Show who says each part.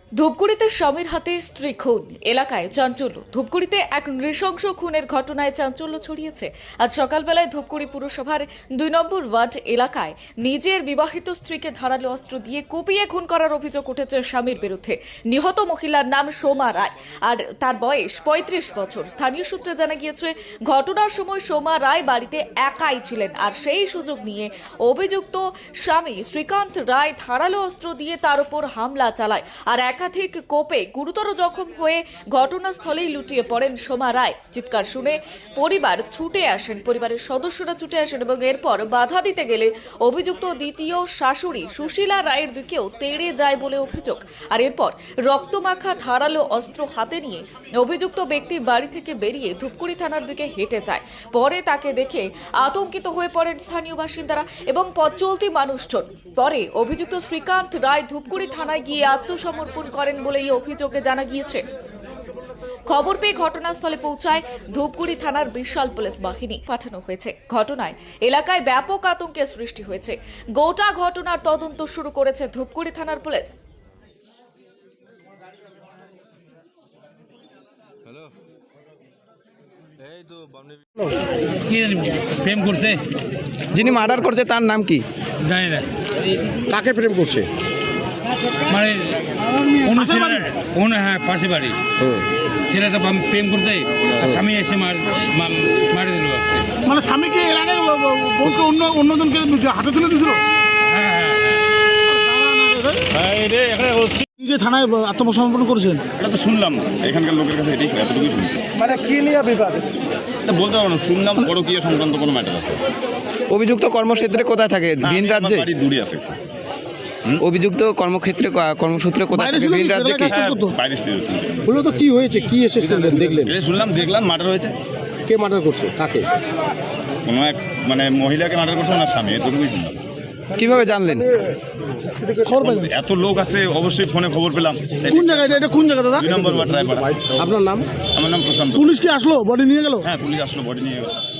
Speaker 1: ধূপগুড়িতে স্বামীর হাতে স্ত্রী খুন, এলাকায় চাঞ্চল্য। ধূপগুড়িতে এক নৃশংস খুনের ঘটনায় চাঞ্চল্য ছড়িয়েছে। আজ সকালবেলায় ধূপগুড়ি পুরসভার ২ নম্বর ওয়ার্ড এলাকায় নিজের বিবাহিত স্ত্রীকে ধারালো অস্ত্র দিয়ে কুপিয়ে খুন করার অভিযোগ উঠেছে স্বামীর বিরুদ্ধে। নিহত মহিলার নাম সোমা রায়, আর তার বয়স ৩৫ বছর। স্থানীয় সূত্রে জানা গিয়েছে, ঘটনার সময় সোমা রায় বাড়িতে একাই ছিলেন, আর সেই সুযোগ নিয়ে অভিযুক্ত স্বামী শ্রীকান্ত রায় ধারালো অস্ত্র দিয়ে তার উপর হামলা চালায়, আর একাধিক কোপে গুরুতর জখম হয়ে ঘটনাস্থলেই লুটিয়ে পড়েন সোমা রায়। চিৎকার শুনে পরিবারের সদস্যরা ছুটে আসেন এবং এরপর বাধা দিতে গেলে অভিযুক্ত দ্বিতীয় শাশুড়ি সুশীলা রায়ের দিকেও তেড়ে যায় বলে অভিযোগ। আর এরপর রক্তমাখা ধারালো অস্ত্র হাতে নিয়ে অভিযুক্ত ব্যক্তি বাড়ি থেকে বেরিয়ে ধূপগুড়ি থানার দিকে হেঁটে যায়। পরে তাকে দেখে আতঙ্কিত হয়ে পড়েন স্থানীয় বাসিন্দারা এবং পথ চলতি মানুষজন। পরে অভিযুক্ত শ্রীকান্ত রায় ধূপগুড়ি থানায় গিয়ে আত্মসমর্পণ করেন বলে এই অভিযোগে জানা গিয়েছে। খবর পেয়ে ঘটনাস্থলে পৌঁছায় ধূপগুড়ি থানার বিশাল পুলিশ বাহিনী পাঠানো হয়েছে। ঘটনায় এলাকায় ব্যাপক আতঙ্কের সৃষ্টি হয়েছে। গোটা ঘটনার তদন্ত শুরু করেছে ধূপগুড়ি থানার পুলিশ।
Speaker 2: প্রেম করছে,
Speaker 3: যিনি মার্ডার করছে তার নাম কি?
Speaker 2: জানি না।
Speaker 4: কাকে প্রেম করছে?
Speaker 2: মানে হ্যাঁ, পাশে বাড়ি। ছেলেটা প্রেম করছে, আর স্বামী এসে মারে দিল আজকে।
Speaker 4: মানে স্বামীকে এলাকায় বউকে অন্যজনকে হাতে তুলে দিয়েছিল। নিজে থানায় আত্মসমর্পণ করেছেন,
Speaker 5: এটা তো শুনলাম এখানকার লোকের কাছে, এটাই এতটুকুই শুনছি।
Speaker 4: মানে কি নিয়ে বিবাদ
Speaker 5: এটা বলতে পারবো না, শুনলাম পরকীয়া সংক্রান্ত কোনো ম্যাটার আছে।
Speaker 3: অভিযুক্ত কর্মক্ষেত্রে কোথায় থাকে? ভিন রাজ্যে?
Speaker 5: বাড়ি দূরে আছে।
Speaker 3: অভিযুক্ত কর্মসূত্রে কোথায় থাকে? ভিন রাজ্যে কি?
Speaker 5: বাইরে ছিল।
Speaker 4: বললো তো কি হয়েছে, কি এসে শুনলেন, দেখলেন?
Speaker 5: দেখলাম মার্ডার হয়েছে।
Speaker 4: কে মার্ডার করছে, কাকে?
Speaker 5: কোনো এক মানে মহিলাকে মার্ডার করছে ওনার স্বামী, এতটুকুই শুনলাম।
Speaker 3: কিভাবে জানলেন?
Speaker 4: খবর পাইলেন?
Speaker 5: এত লোক আছে, অবশ্যই ফোনে খবর পেলাম।
Speaker 4: কোন জায়গায় এটা, কোন জায়গা দাদা?
Speaker 5: ২ নম্বর ওয়ার্ড রায়পাড়া।
Speaker 4: আপনার নাম?
Speaker 5: আমার নাম প্রশান্ত।
Speaker 4: পুলিশ কি আসলো, বডি নিয়ে গেল?
Speaker 5: হ্যাঁ, পুলিশ আসলো, বডি নিয়ে গেল।